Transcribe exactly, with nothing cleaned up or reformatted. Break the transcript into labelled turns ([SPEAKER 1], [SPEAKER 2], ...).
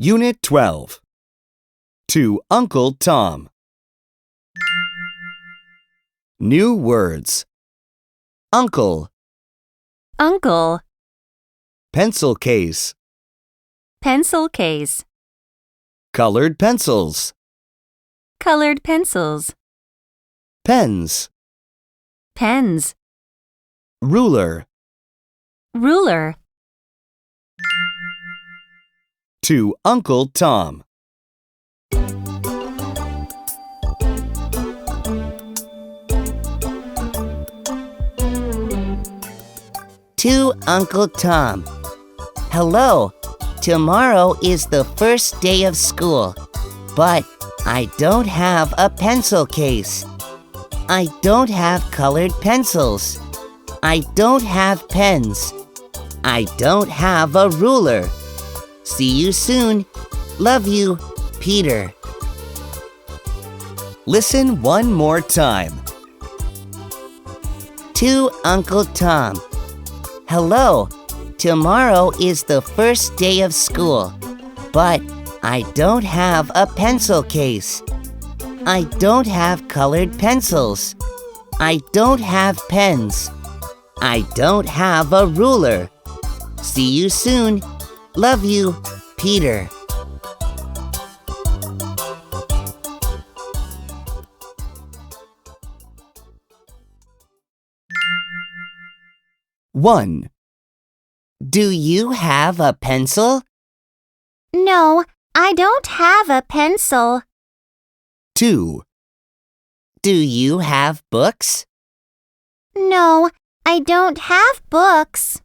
[SPEAKER 1] Unit twelve. To Uncle Tom. New words. Uncle,
[SPEAKER 2] Uncle,
[SPEAKER 1] pencil case,
[SPEAKER 2] pencil case,
[SPEAKER 1] colored pencils,
[SPEAKER 2] colored pencils,
[SPEAKER 1] pens,
[SPEAKER 2] pens,
[SPEAKER 1] ruler.
[SPEAKER 2] ruler.
[SPEAKER 1] To Uncle Tom.
[SPEAKER 3] To Uncle Tom. Hello, tomorrow is the first day of school, but I don't have a pencil case. I don't have colored pencils. I don't have pens. I don't have a ruler. See you soon. Love you, Peter.
[SPEAKER 1] Listen one more time.
[SPEAKER 3] To Uncle Tom. Hello, tomorrow is the first day of school, but I don't have a pencil case. I don't have colored pencils. I don't have pens. I don't have a ruler. See you soon. Love you, Peter.
[SPEAKER 1] One.
[SPEAKER 3] Do you have a pencil?
[SPEAKER 2] No, I don't have a pencil.
[SPEAKER 1] Two.
[SPEAKER 3] Do you have books?
[SPEAKER 2] No, I don't have books.